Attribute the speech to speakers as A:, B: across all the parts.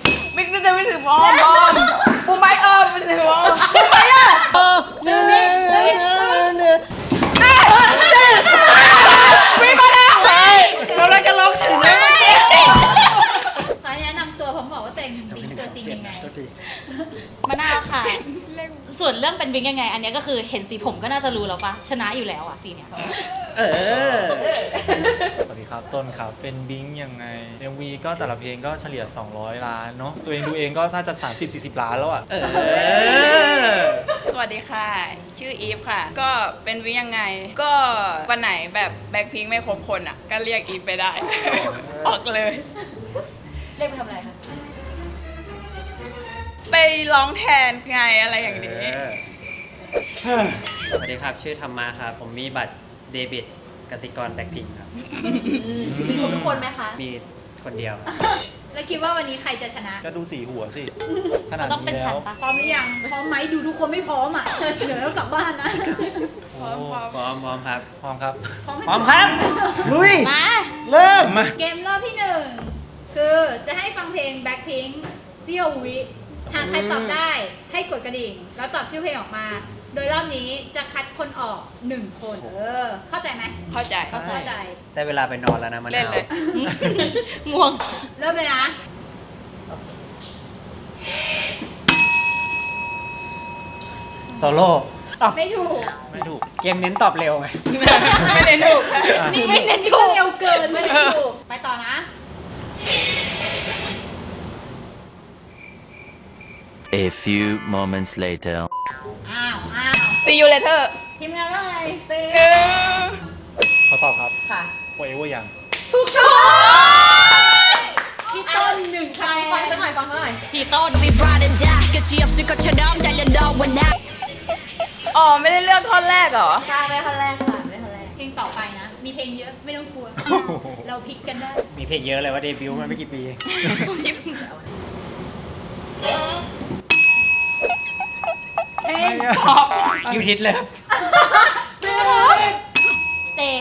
A: บิ๊กจะไม่ถือบอมบูมไบไม่ถือบอมบูมไบวิ่งมาแล้วเราเลยจะลงถึงแล้ว
B: ขอแนะนำตัวผมบอกว่าตัวเองบิ๊กตัวจริงยังไง
C: มะนาวค่ะ ส่วนเรื่องเป็นบิ๊กยังไง อันนี้ก็คือเห็นสีผมก็น่าจะรู้แล้วปะชนะอยู่แล้วอ่ะสีเนี้ย
D: สวัสดีครับต้นครับเป็นบิงยังไง MV ก็แต่ละเพลงก็เฉลี่ย200 ล้านเนาะตัวเองดูเองก็น่าจะ30-40 ล้านแล้วอ่ะ
A: สวัสดีค่ะชื่ออีฟค่ะก็เป็นวิยังไงก็วันไหนแบบแบ็คพิงค์ไม่ครบคนอ่ะก็เรียกอีฟไปได้ ออกเลย
B: เรียกไปทำอะไรคะ
A: ไปร้องแทนไงอะไรอย่างนี้
E: สวัสดีครับชื่อธรรมะครับผมมีบัตรเดบิตกสิกรแบ็คพิงค์ครับ
B: มีทุกคนไหมคะ
E: มีคนเดียว
B: แล้วคิดว่าวันนี้ใครจะชนะ
D: ก็ดูสีหัวสิขนาด
C: ต้องเป็น
D: นี้
C: ฉั
D: แล้
C: น
D: ว
C: ปะ
B: พร้อมหรือยังพร้อมไหมดูทุกคนไม่พร้อมอ่ะเดี๋ยวเรากลับบ้านนะ
D: โอ้
E: พร้อมครับ
D: พร้อมครับ
E: พร้อมครับ
D: ลุย
C: มา
D: เริ่มมา
B: เกมรอบที่1คือจะให้ฟังเพลง Blackpink เซี่ยววิหากใครตอบได้ให้กดกระดิ่งแล้วตอบชื่อเพลงออกมา โดยรอบนี้จะคัดคนออก1คนเข้าใจไหม
A: เข้าใจ
B: เข้าใจ
E: ได้เวลาไปนอนแล้วนะมะนาว
A: เล่นเลย
C: ง่วง
B: เริ่มเลยนะ
E: โซโล่อ้าว
B: ไม่ถูก
D: ไม่ถูก
E: เกมเน้นตอบเร็วไง
A: ไม่ได้ถูก
B: นี่ไม่เน้นนี่ก็เร็วเกินไม่ได้ถูกไปต่อนะ
F: A few moments later.
B: อ้าว
A: See you later
B: ทีมงานว่าไงตื่น
D: เขาตอบครับ
B: ค่ะ
D: forever ยัง
B: ถูกต้องพี่ต้น1คะแนน
A: ฟังซะหน่อย
C: สีต้น
G: We ride and die 끝이 없을 것처럼 달려너와 나
A: อ๋อไม่ได้เลือกท่อนแรกเหรอ
B: ใช่ไม่คนแรกค่ะไม่คนแรกเพลงต่อไปนะ มีเพลงเยอะไม่ต้องกลัว เราพลิกกันได้
E: มีเพลงเยอะเลยว่าเดบิวต์มาไม่กี่ปีเอง
B: เพลง
E: คิวฮิตเลย
C: stay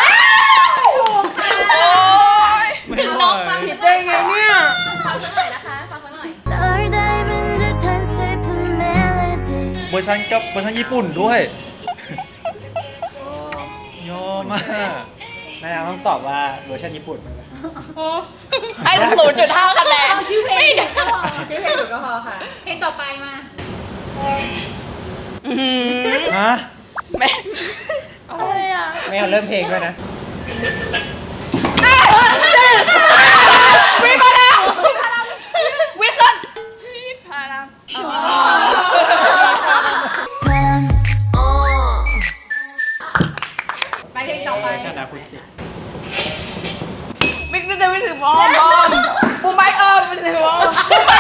D: ถึงน้องฟังผิดได้ไงเนี่ย
B: ฟังสักหน่อยนะคะฟังสักหน่อย
G: 널 닮은 듯한 슬픈 멜로디
D: เวอร์ชันกับเวอร์ชันญี่ปุ่นด้วยยอมมาก
E: มะนาวต้องตอบว่าเวอร์ชันญี่ปุ่นมันเลย
A: ให้0.5 คะแนน
B: ชื่อเพลงก็พอชื่อเพลงหนูก็พอค่ะ เพลงต่อไปมา
D: ฮะ
A: แม่
B: อะไรอ่ะ
E: ไม่เอาเริ่มเพลงด้วยนะ
A: วิ่งมาแล้ววิสันวิพารา
B: ไปเพลงต่อไป
E: ชนะคุณติ
A: บิ๊กจะไม่ถือบอมบูมไบไม่ถือบอมบูมไบ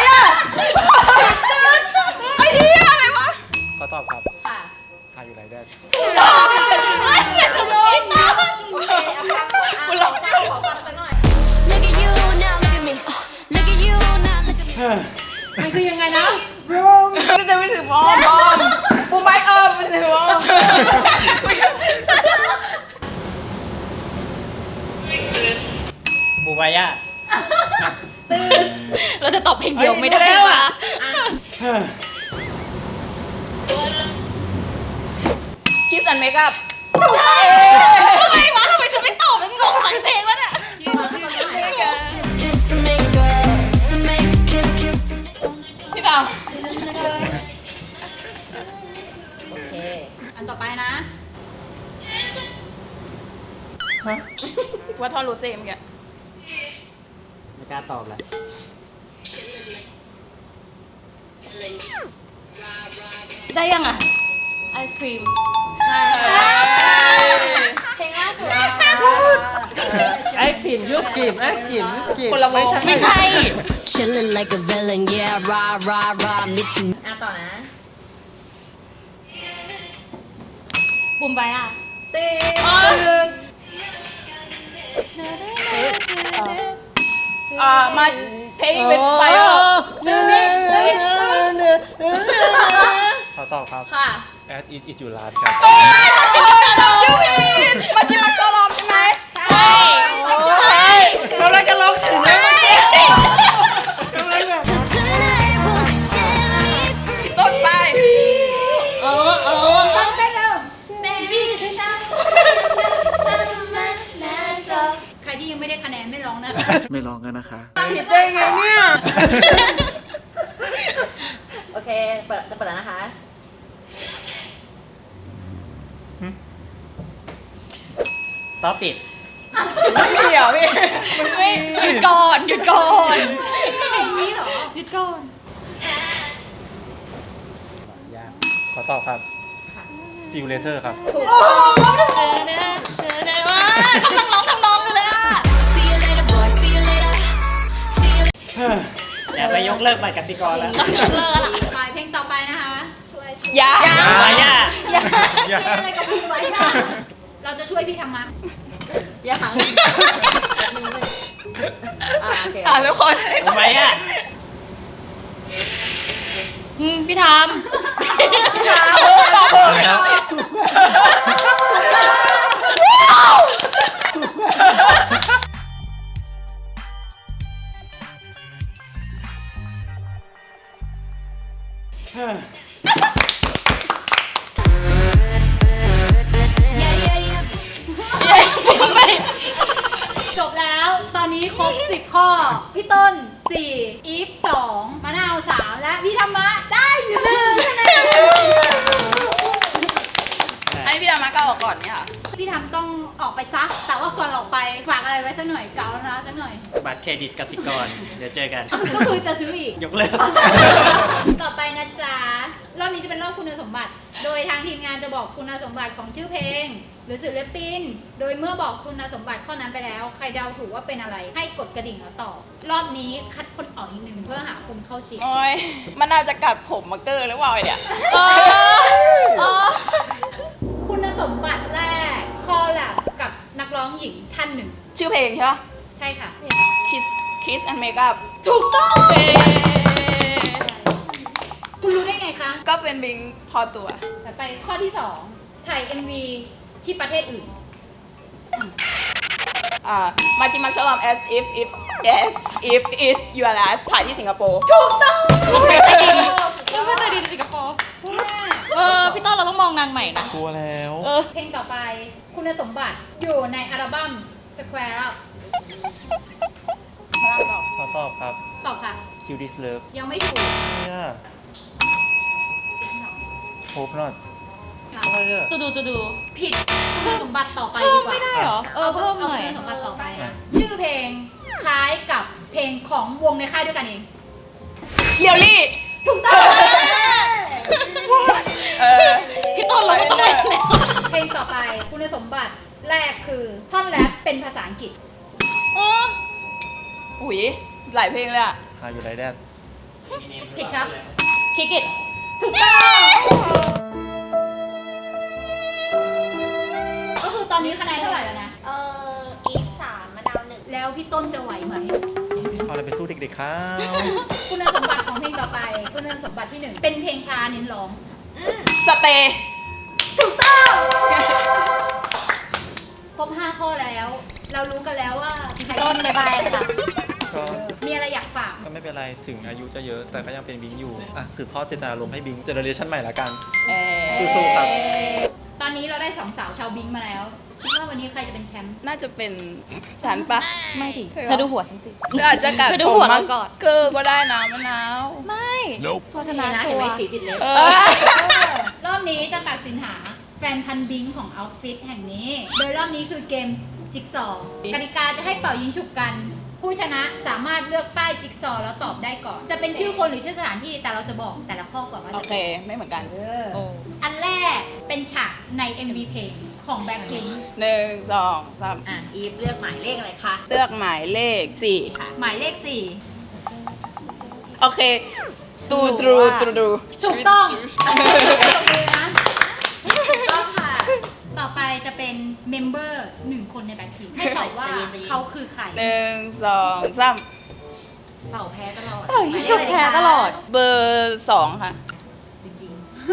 A: ไอ้เหี้ยอะไรวะ
D: เขาตอบครับ
B: ค่ะ
D: หาอยู่ไรได้
A: กูร้อง
B: ขอฟังสักหน่อย
G: Look at you now look at me Look at you now look at me
B: มันคือยังไงนะ
A: บิ๊กจะไม่ถือบอมบูมไบไม่ถือบอม
E: บูบายา
C: เราจะตอบเพลงเดียวไม่ได้ปะ
A: คิสอันเมคอัพ
C: ทำไมวะทำไมฉันไม่ตอบมันงงทั้งเพลงแล้วเนี่ย
G: Kiss and make up Kiss and make kiss and
A: พี่ดาว
B: โอเค อันต่อไปนะ
A: ว่าท่อนรูเซ่เมื่อกี้
E: ไม่กล้าตอบเลย
C: ได้ยังอ่ะ ไอศครีม
B: เพลงล่าสุด
E: ไอ้กลิ่นยูสกลิ่นไอ้กลิ่นยูสกลิ่น
A: คนละวง
C: ไม่ใช่
G: Chillin' like a villain yeah rah rah rah 미친
B: ต่อนะ
C: บุมไบอ่ะ
B: ตี
A: มา Pay with Fire
D: เขาตอบครับ
B: ค่ะ
D: As it is your last ครับ
A: ชื่อผิดเมื่อกี้มันชอบร้องใช่ไหมใช่เราเลยจะร้องถึงแล้วเมื่อกี้
G: 그
H: ไม่ลองกันนะคะ
D: ผิดได้ไงเนี่ย
C: โอเคจะเปิดแล้วนะคะ
E: ต่อปิด
A: เดี๋ยวพี่
C: ไม่หยุดก่อนหยุดก่อน
B: เพลงนี้เหรอ
C: หยุดก่อน
E: ยาก
D: ขอตอบครับ See you later ครับ
B: ถูกต้อง
C: เดี๋ยวว่ากำลังร้องทำนองอยู่เลยอ่ะ
G: See you later, boy. See you later. See you.
E: อย่าไปยกเลิกบัตรกติกรแล้ว
B: ไปเพลงต่อไปนะคะ
A: ยา
E: มายา
B: เพลงอะไรกับพี่ไว้ค่ะเราจะช่วยพี่ธรรมะ
C: อย่าหังโอเค
A: ทุกคน
E: มายา
C: พี่ทามพี่ทาม
G: Yeah, yeah, yeah.
B: จบแล้ว ตอนนี้ครบ 10 ข้อ พี่ต้น 4 อีฟ 2 มะนาว 3 และพี่ธรรมะได้1คะแนน
A: ให้พี่ดามาก้าวออกก่อนเนี่ยค่ะ
B: พี่ทำต้องออกไปซัก แต่ว่าก่อนออกไปฝากอะไรไว้สักหน่อยเกาแล้วนะสักหน่อย
E: บัตรเครดิตกสิกร เดี๋ยวเจอกัน
B: ก็คือจะซื้ออีก
E: ยกเลิก
B: ต่อไปนะจ๊ะ รอบนี้จะเป็นรอบคุณสมบัติ โดยทางทีมงานจะบอกคุณสมบัติของชื่อเพลง หรือศิลปิน โดยเมื่อบอกคุณสมบัติข้อนั้นไปแล้ว ใครเดาถูกว่าเป็นอะไร ให้กดกระดิ่งแล้วตอบ รอบนี้คัดคนออกอีกหนึ่งเพื่อหาคนเข้าชิง
A: โอ้ยมันน่าจะกัดผมมาเกอร์หรือเปล่าเนี่ย
B: คุณสมบัติแรก คอลแลบกับนักร้องหญิงท่านหนึ่ง
A: ชื่อเพลงใช่ปะ
B: ใช่ค่ะ
A: Kiss and Makeup
B: ถูกต้อง
A: เย้
B: คุณรู้ได้ไงคะ
A: ก็เป็นบิงพอตัว
B: ต่อไปข้อที่ 2 ถ่าย MV ที่ประเทศอื่น
A: มาจิมักชลอม as if is your last ถ่ายที่สิงคโปร์
B: ถูกต้อง
C: เราไม่เคยดีในสิงคโปร์พี่ต้นเราต้องมองนางใหม่นะ
D: กลัวแล้ว
B: เพลงต่อไป คุณสมบัติอยู่ในอัลบั้ม Square Up
D: ขอตอบครับ
B: ตอบค่ะ
D: Kill This Love
B: ยังไม่ถูก
D: เนี่ย Hope Not
B: ค่ะ
D: อะไรอ่ะ
C: ดู
B: ผิดคุณสมบัติต่อไปดีกว่า
C: ไม่ได้เหรอ เพิ่มหน่อย
B: คุณสมบัติต่อไปนะ ชื่อเพลงคล้ายกับเพลงของวงในค่ายด้วยกันเอง
A: เลียวลี่
B: ถูกต้อง
C: พี่ต้นเราไม่ต้องเล่นแล้ว
B: เพลงต่อไปคุณสมบัติแรกคือท่อนแรปเป็นภาษาอังกฤษ
A: อุ๋ยหลายเพลงเลยอะ
D: How You Like That
B: ผิดครับ
C: คิกอิต
B: ถูกต้องก็คือตอนนี้คะแนนเท่าไหร่แล้วนะ
C: อีฟ3มะนาว1
B: แล้วพี่ต้นจะไหวไหม
D: เอาอะไรไปสู้เด็กๆครับ
B: คุณสมบัติของเพลงต่อไป คุณสมบัติที่ 1 เป็นเพลงช้าเน้นร้อง
A: สเตย์
B: ถูกต้องครบ 5 ข้อแล้ว เรารู้กันแล้วว่าใคร
C: ต้นบ๊ายบายค่ะ
D: ก็
B: มีอะไรอยากฝาก
D: ก็ไม่เป็นไร ถึงอายุจะเยอะ แต่ก็ยังเป็นบิงอยู่ อ่ะ สืบทอดเจตนารมณ์ให้บิงเจเนอเรชันใหม่ละกัน สู้ๆครับ
B: ตอนนี้เราได้2 สาวชาวบิงมาแล้ว คิดว่าวันนี้ใครจะเป็นแชมป์
A: น่าจะเป็นฉันปะ
C: ไม่ดิ
A: เธอ
C: เธอดูหัวฉันสิ
A: เธออาจจะกัด
C: เธอดู
A: ผม
C: หัวเรา
A: มั้ง
C: ก่อน
A: เกอร์ก็ได้นะมะนาว
C: ไม่เพราะชนะ
B: นะ
C: ชั
B: เห็น
C: ว
B: ไหม
C: ร์
B: สีติดเล็บ
A: เออ
B: รอบนี้จะตัดสินหาแฟนพันธุ์บิงของเอาฟิตแห่งนี้ โดยรอบนี้คือเกมจิ๊กซอว์กติกาจะให้เป่ายิงฉุบกัน ผู้ชนะสามารถเลือกป้ายจิ๊กซอว์แล้วตอบได้ก่อน จะเป็นชื่อคนหรือชื่อสถานที่แต่เราจะบอกแต่ละข้อก่อนว่า
A: โอ
B: จะ
A: เค ไม่เหมือนกัน
B: อันแรกเป็นฉากใน MV เพลงของแบ็คพิงค์
A: 1 2 3
C: อ่ะ อีฟเลือกหมายเลขอะไรคะ
A: เลือกหมายเลข 4
B: หมายเลข
A: โอเคตูดู
B: 4 ถูกต้องตบมือนะถูกต้องค่ะ ต่อไปจะเป็นเมมเบอร์1 คนในแบ็คพิงค์ให้ตอบว่าเขาคือใคร
A: 1 2 3
C: เป่าแพ้ตลอด
B: ยิงฉุบแพ้ตลอด
A: เบอร์ 2 ค่ะ
C: จริง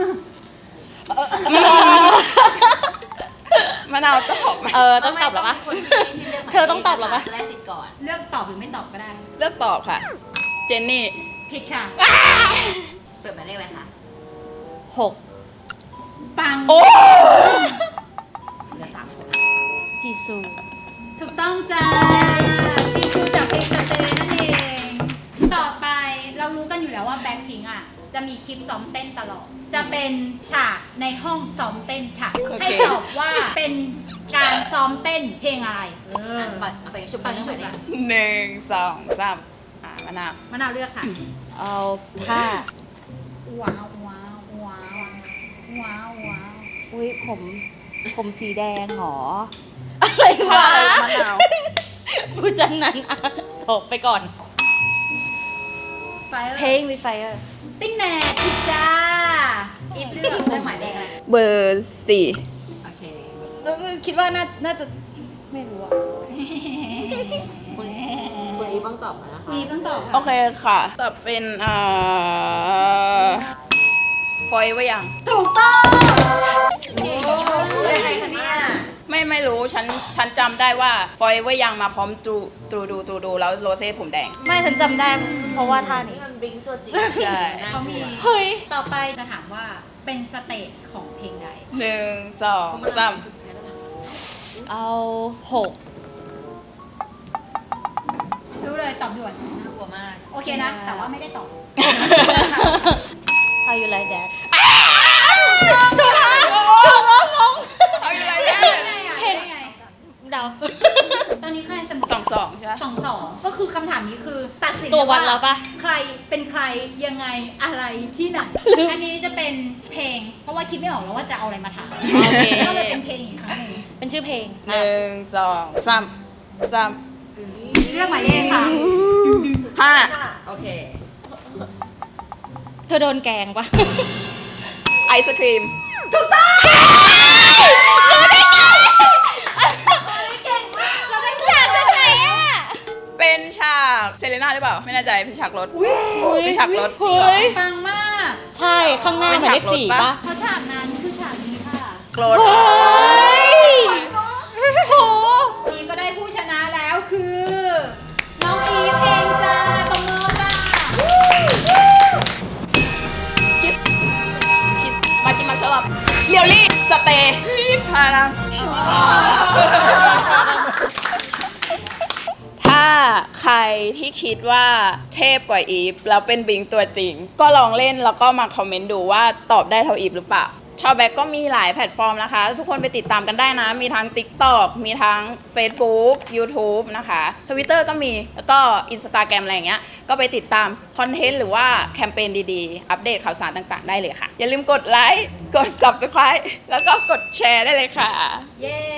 A: มะนาวตอบไหม
C: ต้องตอบหรอปะเธอต้องตอบหรอปะ
B: แรกสิทธิ์ก่อน เลือกตอบหรือไม่ตอบก็ได้
A: เลือกตอบค่ะ เจนนี่
B: ผิดค่ะ
C: เปิดหมายเลขอะไรคะ6
B: ปัง
A: โอ้
C: เหลือ3คนจีซู
B: ถูกต้องจ้าจีซูจากรู้กันอยู่แล้วว่าแบ็คพิงอ่ะจะมีคลิปซ้อมเต้นตลอด จะเป็นฉากในห้องซ้อมเต้นฉากให้ตอบว่าเป็นการซ้อมเต้นเพลงอะไรเอาไปชุบไปชุบเลย
A: 1 2 3มะนาว
B: มะนาวเลือกค่ะ
C: เอาผ้า
B: ว้าวว้าวว้าวว้าวว้าว
C: อุ้ยผมสีแดงหรอ อะไรวะ
A: มะนาว
C: ผู้จังนั้นอ่ะตกไปก่อน
B: ไฟเออ
C: เพลง with fire
B: ติ้งแหน่ผิดจ้าอีฟเลือกหมายเลขอะไร
A: เบอร์4
B: โอเค
C: คิดว่าน่าจะไม่รู้อ่ะ
B: คุณอีฟต้องตอบค่ะ
A: โอเคค่ะตอบเป็นฟอยไว้ยัง
B: ถูกต้องเป็นใครคะเนี่ย
A: ไม่รู้ฉันจำได้ว่าฟอยไว้ยังมาพร้อมตูดูแล้วโรเซ่ผมแดง
C: ไม่ฉันจำได้เพราะว่าท่านี้
A: ใช่
B: เขามี
C: เฮ้ย
B: ต่อไปจะถามว่าเป็นสเตจของเพลงใด
A: 1 2 3
C: เอา6
B: รู้เลยตอบด่วนน่ากลัวมาก โอเคนะ แต่ว่าไม่ได้ตอบ
C: How you like that
A: ถูกแล้วงงเอาอยู่ไรเนี่ย
B: เห็นไง
C: เดา
B: ตอนนี้คะแนนเสมอ
A: 2 ใช่ไหม
B: 2-2ก็คือคำถามนี้คือตัดสิน
C: ตัววัดแล้วปะ
B: ใครเป็นใครยังไงอะไรที่ไหน อันนี้จะเป็นเพลง เพราะว่าคิดไม่ออกแล้วว่าจะเอาอะไรมาถาม
C: โอเค
B: ก็เลยเป็นเพลงอีกครั้งหนึ่ง
C: เป็นชื่อเพลง
A: 1 2 3
B: เลือกหมายเลขค่ะ
A: 5
C: เธอโดนแกงปะ
A: ไอศครีม
B: เราได้
C: ฉากตรงไหนอ่ะ
A: เป็นฉากเซเลน่าหรือเปล่า ไม่แน่ใจเป็นฉากรถ เป็นฉากรถ
C: เฮ้ย
B: ปังมาก
C: ใช่ข้างหน้าหมายเลข4ปะ
B: เพราะฉากนั้นคือฉากนี้ค่ะ
A: รถ
C: เฮ้ยโห
B: ทีก็ได้ผู้ชนะแล้วคือ น้องอีฟเองจ้าตบมือจ้า
A: คิดมากินมาชอบเรียวลี่สเตย์พาลังถ้าใครที่คิดว่าเทพกว่าอีฟแล้วเป็นบิงตัวจริง ก็ลองเล่นแล้วก็มาคอมเมนต์ดูว่าตอบได้เท่าอีฟหรือเปล่า ชอบแบ็กก็มีหลายแพลตฟอร์มนะคะ ทุกคนไปติดตามกันได้นะ มีทั้ง TikTok มีทั้ง Facebook YouTube นะคะ Twitter ก็มี แล้วก็ Instagram อะไรอย่างเงี้ย ก็ไปติดตามคอนเทนต์หรือว่าแคมเปญดีๆ อัปเดตข่าวสารต่างๆ ได้เลยค่ะ อย่าลืมกดไลค์ กด Subscribe แล้วก็กดแชร์ได้เลยค่ะ
B: เย้